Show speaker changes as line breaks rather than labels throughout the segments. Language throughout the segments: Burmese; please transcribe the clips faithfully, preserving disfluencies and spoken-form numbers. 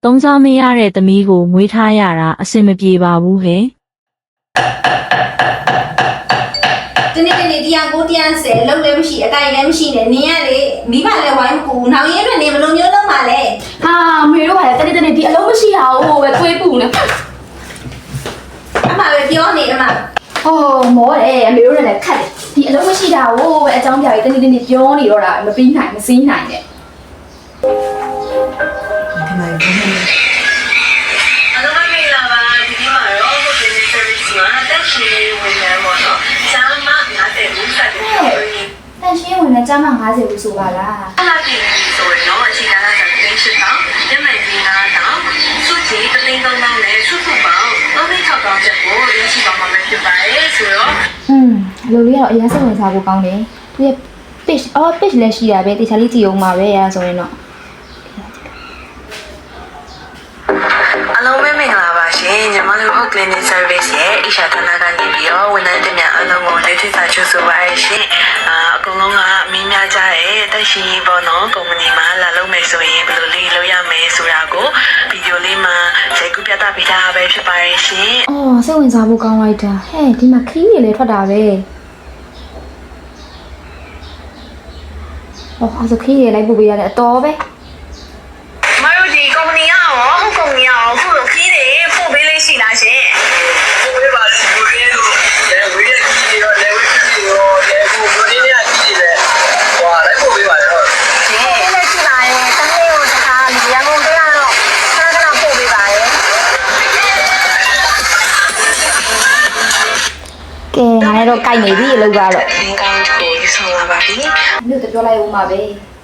သုံးစားမရတဲ့သမီးကိုမွေးထားရတာအဆင်မပြေပါဘူးဟဲ့
ဒီနေ့ဒီနေ့တရားကိုတရားဆယ်လုံးလည်းမရှိအတိုင်းလည်းမရှိနဲ့နင်ကလေမိဘလည်းဝိုင်းမကူနောက်ရင်းအတွက်နေဘယ်လိုမျိုးလုပ်မှာလဲ
ဟာမေတို့ကလည်းတနေ့တနေ့ဒီအလုံးမရှိတာဟိုပဲသွေးပူနေ
အမပဲပြောနေအမ
ဟောမောတယ်အမေတို့လည်းခတ်တယ်ဒီအလုံးမရှိတာဟိုပဲအကြောင်းပြပြီးတနေ့တနေ့ပြောနေတော့တာမပြီးနိုင်မစည်းနိုင်နဲ့
ခဏလေး
အလုံးမင်္ဂလာပါဒီနေ့မှာတော့ business service မှာတက်ရှိဝင်နေမှာတော့စာမငါတဲ့ဦးဆက်တယ်
တန်ရှင်းဝင်လည်းကြားမှ၅၀ဘူးဆိုပါလား
အဲ့ဒါပြင်ဆိုရင်တော့အခြေခံကသင်ရှိတော့ညနေကြီးကတော့စုကြည်တသိန်းသုံးသောင်းနဲ့စုစုပေါင်းသုံးသိန်း၆သောင်းချက်ကိုရရှိပါမှာဖြစ်ပါတယ်ဆိုတော့
อืมလူလေးကတော့အရင်စိတ်ဝင်စားဖို့ကောင်းတယ်သူရဲ့ page အော် page လည်းရှိတာပဲတေချာလေးကြည့်အောင်ပါပဲအဲဒါဆိုရင်တော့
အလုံးပဲမင်္ဂလာပါရှင်ညီမတို့ clinic service ရဲ့အရှာဌာနကနေပြီးတော့ဝန်ထမ်းတွေများအလုံးကိုလက်ထိစာချုပ်ဆိုပါရရှင်အာအကုန်လုံးကမင်းများကြတဲ့တက်ရှိပေါ့နော်ကုမ္ပဏီမှာလာလုပ်မယ်ဆိုရင်ဘယ်လိုလေးလုပ်ရမယ်ဆိုတာကိုဗီဒီယိုလေးမှာရိုက်ကူးပြသပေးထားပဲဖြစ်ပါရရှင်
အော်စိတ်ဝင်စားဖို့ကောင်းလိုက်တာဟဲ့ဒီမှာခီးတွေလည်းထွက်တာပဲအော်အဲ့ဒါခီးတွေလိုက်ပို့ပေးရတယ်အတော်ပဲ
မတို့ဒီကုမ္ပဏီကရောဟုတ်ကုမ္ပဏီကရောအခုလိုခီးတွေပို့ပေးလေးရှိလားရှင်
ပို့ပေးပါလေပို့ပေးလို့လေဝေးရကြီးရောလေဝေးကြီးရောလေကိုဘိုးလေးနဲ့ကြီးတွေဟွာလိုက်ပို့ပေးပါလေဟုတ်
ဒီနေ့ရှိလာရင်တနေ့ကိုတစ်ခါဒီရန်ကုန်တရားတော့ခဏခဏပို့ပေးပါလေ
ကဲငါလည်းတော့ကြိုက်နေပြီအလုပ်ကတော့
သင်ကောင်းကိုဆောင်လာပါပြီ
မြို့တပြောလိုက်ဦးမှာပဲ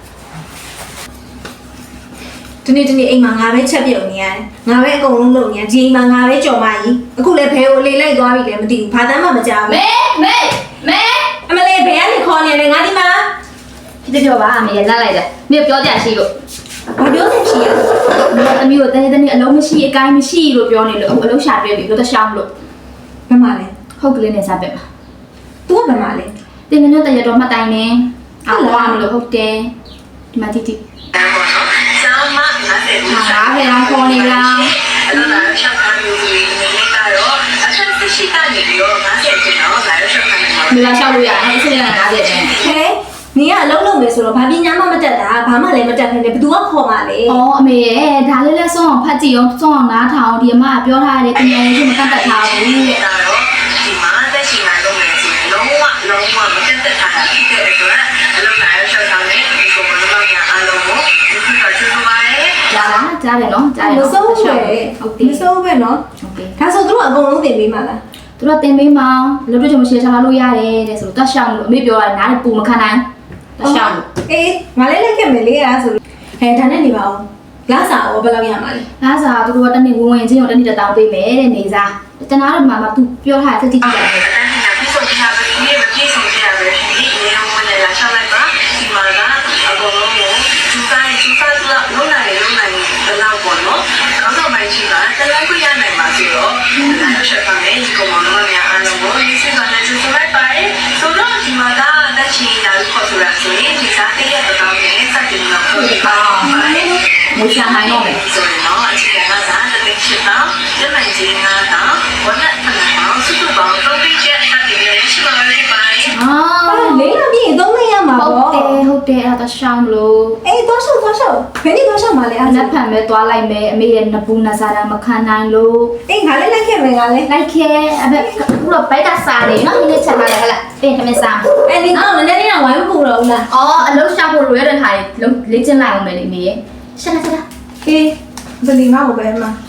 ဒီနေ့ဒီနေ့အိမ်မှာငါပဲချက်ပြုတ်နေရတယ်ငါပဲအကုန်လုံးလုပ်နေရဒီအိမ်မှာငါပဲကြော်မကြီးအခုလည်းဘဲကိုလေလိုက်သွားပြီလည်းမသိဘူးဘာတမ်းမှမကြောက်ဘူး
မေမေမေ
အမလေးဘဲကနေခေါ်နေတယ်ငါဒီမှာ
ဒီပြောပါအမေလက်လိုက်တယ်မြေပြောကြရှိလို့
ဘာပြောနေရှိရ
မေသမီးကိုတနေ့တနေ့အလုံးမရှိအကိုင်းမရှိလို့ပြောနေလို့အခုအလုံးရှာပြပြီလို့တရှောင်းလို့
ဘယ်မှာလဲ
ဟုတ်ကလေးနဲ့စားပြပါ
तू ကဘယ်မှာလဲ
တင်ငွေတရတော်မှတ်တိုင်းနေအော်ဝါမလို့ဟုတ်တယ်ဒီမှာတိတိ
ကျောင်းမငါတဲ့ဦး
ဟာဘယ်အောင်ခေါ်နေလား
အဲ့တော့လာရှောက်ထားပြီးနေနေကတော့အဆက်ရှိကနေပြီးတော့ငါတဲ့ကျင်တော့လာရှောက်ထားနေမှာ
မလာလျှောက်လို့ရတယ်အစ်စရငါတဲ့ကျင်
ဟဲနင်ကအလုံးလုံးမယ်ဆိုတော့ဘာပညာမှမတတ်တာဘာမှလည်းမတတ်ခင်လေဘသူကခေါ်မှာလဲ
ဩအမေရဲ့ဒါလေးလဲဆုံးအောင်ဖတ်ကြည့်အောင်ဆုံးအောင်နားထောင်ဒီအမကပြောထားတယ်ပညာရေးကိုမတတ်တတ်ထားဘူး
တဲ့ဒါတော့ဒီမှာတက်ရှိမှလုံးမယ်ဆိုရင်လုံးဝလုံးဝမတတ်တတ်တာဖြစ်တဲ့အတွက်အလုံးလာရှောက်ထားနေဒီကိုမလုံးရအားလုံးကိုဒီကချူချူပါရဲ့
ကြားလားကြားတယ်နော်ကြားတယ်
မစိုးပဲဟုတ်တယ်မစိုးပဲနော်
ဟုတ်ကဲ့
ဒါဆိုသူတို့အကုန်လုံးတင်ပေးမှာလား
သူတို့တင်ပေးမှာလို့တို့ကြောင့်ရှယ်ထားလို့ရတယ်တဲ့ဆိုတော့တက်ရှောင်းလို့အမေပြောတာနားပူမခံနိုင်တက်ရှောင်းလို့
အေးငါလည်းလက်ခဲ့မယ်လေအဲ့ဒါဆိုဟဲဒါနဲ့နေပါဦးလာစားရောဘယ်လောက်ရမှာလဲ
လာစားသူတို့ကတနေ့ဝင်ဝင်ချင်းကိုတနေ့တောင်းပေးမယ်တဲ့နေစားတနာတော့မှမသူပြောထားတဲ့တိတိကျကျပဲ
အဲ့ဒါပြည့်စုံကြပါပြီမပြည့်စုံကြပါပြီဒီနေရာဝင်လာရှောက်လိုက်ပါဒီမှာကအကုန်လုံးကိုသူတိုင်းသူစားသူလုံးနိုင်လုံးနိုင်ဘယ်လောက်ပေါ့နော်ကောင်းတော့မှရှိတာတလိုက်ခွင့်ရနိုင်ပါစေတော့လာရှောက်ပါမယ်ဒီကောင်မတော်များအားလုံးကိုရေးစကနေသူဆိုလိုက်ပါတယ်ဆိုတော့ဒီမှာကတက်ချီလာခေါ်ဆိုတာဆိုရင်ဒီစားတည့်ရတော့နဲ့စတင်တော့ခေါ်ပါမယ်
မွေးရှာနိုင်တော့မယ်
ဆိုတော့အခြေခံကသာတသိရှိတော့ကျမကြီးငါတော့ဝတ်နဲ့ဖနာအောင်စုစုပေါင်းတော့ပြည့်ချက်တတ်တယ်ရှိပါလိမ့်မယ်
အာ
လေးရပြည့်သုံးနေရမှာပေါ့
ဟုတ်တယ်ဟုတ်တယ်အဲ့ဒါရှောင်းလို့
အေးသွားရှောက်သွားရှောက်ဘယ်နည်းသွားရှောက်မှာလဲ
အဲ့လက်ဖန်ပဲသွားလိုက်မယ်အမေရဲ့နပူနစားတာမခံနိုင်လို့
အေးငါလည်းလိုက်ခဲ့မယ်ငါလည်း
လိုက်ခဲ့အဲ့ဘက်ခုတော့ဘိုက်ကစားတယ်နော်ဒီနေ့ချက်ထားတယ်ဟဲ့လားပြင်ထမင်းစား
အဲ့ဒီတော့နည်းနည်းလေးဝိုင်းမပူတော့ဘူးလား
အော်အလုံးရှာဖို့လိုရတဲ့ဟာတွေလေ့ကျင့်လိုက်အောင်မယ်လေမေရဲ့ရှက်လာရှက်လာ
အေးဘယ်လီမဟုတ်ပဲမှာ